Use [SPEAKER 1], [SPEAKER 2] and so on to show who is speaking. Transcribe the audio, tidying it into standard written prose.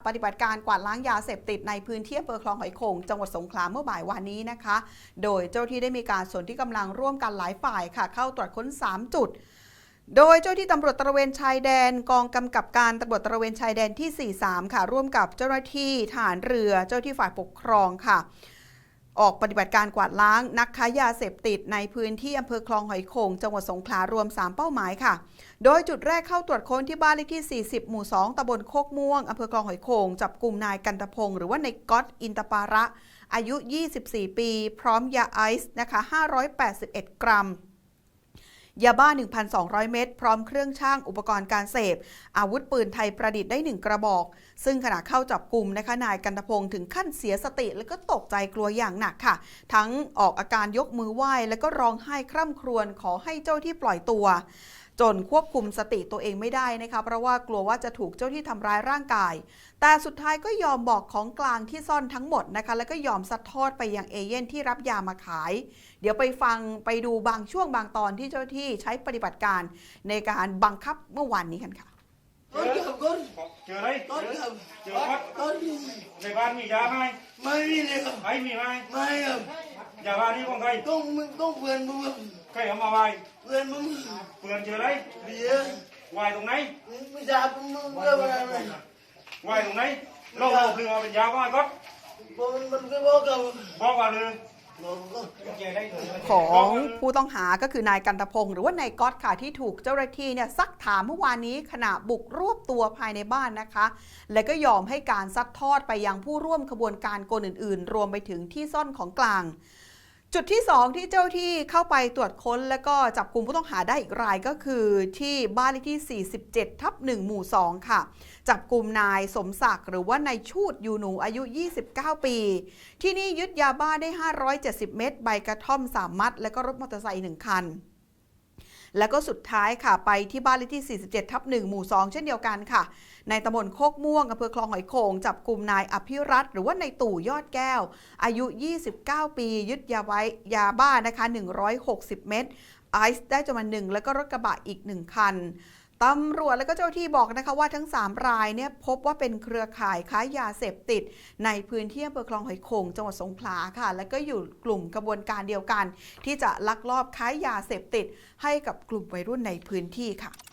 [SPEAKER 1] ปฏิบัติการกวาดล้างยาเสพติดในพื้นที่อำเภอคลองหอยโข่งจังหวัดสงขลาเมื่อบ่ายวานนี้นะคะโดยเจ้าที่ได้มีการสนที่กำลังร่วมกันหลายฝ่ายค่ะเข้าตรวจค้น3จุดโดยเจ้าที่ตำรวจตระเวนชายแดนกองกำกับการตำรวจตระเวนชายแดนที่43ค่ะร่วมกับเจ้าหน้าที่ทหารเรือเจ้าที่ฝ่ายปกครองค่ะออกปฏิบัติการกวาดล้างนักค้ายาเสพติดในพื้นที่อำเภอคลองหอยโข่งจังหวัดสงขลารวม3เป้าหมายค่ะโดยจุดแรกเข้าตรวจค้นที่บ้านเลขที่40หมู่2ตำบลโคกม่วงอำเภอคลองหอยโข่งจับกลุ่มนายกันตพงศ์หรือว่านายก๊อตอินตปาระอายุ24ปีพร้อมยาไอซ์นะคะ581กรัมยาบ้า 1,200 เม็ดพร้อมเครื่องช่างอุปกรณ์การเสพอาวุธปืนไทยประดิษฐ์ได้1กระบอกซึ่งขณะเข้าจับกลุ่มนะคะนายกันตพงศ์ถึงขั้นเสียสติและก็ตกใจกลัวอย่างหนักค่ะทั้งออกอาการยกมือไหว้และก็ร้องไห้คร่ำครวญขอให้เจ้าที่ปล่อยตัวจนควบคุมสติตัวเองไม่ได้นะคะเพราะว่ากลัวว่าจะถูกเจ้าที่ทำร้ายร่างกายแต่สุดท้ายก็ยอมบอกของกลางที่ซ่อนทั้งหมดนะคะแล้วก็ยอมซัดทอดไปยังเอเย่นที่รับยามาขายเดี๋ยวไปดูบางช่วงบางตอนที่เจ้าที่ใช้ปฏิบัติการในการบังคับเมื่อวานนี้กันค่ะ
[SPEAKER 2] เจออะไรเจอวัดในบ้านมียาไหม
[SPEAKER 3] ไม่มีเลยครับ
[SPEAKER 2] ไม่มีไหม
[SPEAKER 3] ไม่ครับ
[SPEAKER 2] ยาบ้านนี้ของใคร
[SPEAKER 3] ต้องเพื่อนมึง
[SPEAKER 2] ใครเอามาไว้
[SPEAKER 3] เพื่อนมึง
[SPEAKER 2] เพื่อนเจออะไร
[SPEAKER 3] เบียร์
[SPEAKER 2] ไว้ตรงไหน
[SPEAKER 3] ไม่ทราบมึงเรื่องอะไร
[SPEAKER 2] ไว้ตรงไหนเราบอกเรื่องเป็นยาบ้าก็
[SPEAKER 3] มันก็บอกกับ
[SPEAKER 2] บอกว่าเลย
[SPEAKER 1] ของผู้ต้องหาก็คือนายกันตพงศ์หรือว่านายก๊อตค่ะที่ถูกเจ้าหน้าที่เนี่ยซักถามเมื่อวานนี้ขณะบุกรวบตัวภายในบ้านนะคะและก็ยอมให้การซัดทอดไปยังผู้ร่วมขบวนการคนอื่นๆรวมไปถึงที่ซ่อนของกลางจุดที่2ที่เจ้าที่เข้าไปตรวจค้นและก็จับกลุ่มผู้ต้องหาได้อีกรายก็คือที่บ้านเลขที่47/1หมู่2ค่ะจับกลุ่มนายสมศักดิ์หรือว่านายชูดยูหนูอายุ29ปีที่นี่ยึดยาบ้าได้570เม็ดใบกระท่อม3มัดและก็รถมอเตอร์ไซค์1คันแล้วก็สุดท้ายค่ะไปที่บ้านเลขที่47/1หมู่2เช่นเดียวกันค่ะในตำบลโคกม่วงอำเภอคลองหอยโข่งจับกลุ่มนายอภิรัตน์หรือว่านายตู่ยอดแก้วอายุ29ปียึดยาบ้านะคะ160เม็ดไอซ์ได้จำนวน1แล้วก็รถกระบะอีก1คันตำรวจและก็เจ้าที่บอกนะคะว่าทั้ง3รายเนี่ยพบว่าเป็นเครือข่ายค้ายาเสพติดในพื้นที่อำเภอคลองหอยโข่งจังหวัดสงขลาค่ะและก็อยู่กลุ่มกระบวนการเดียวกันที่จะลักลอบค้ายาเสพติดให้กับกลุ่มวัยรุ่นในพื้นที่ค่ะ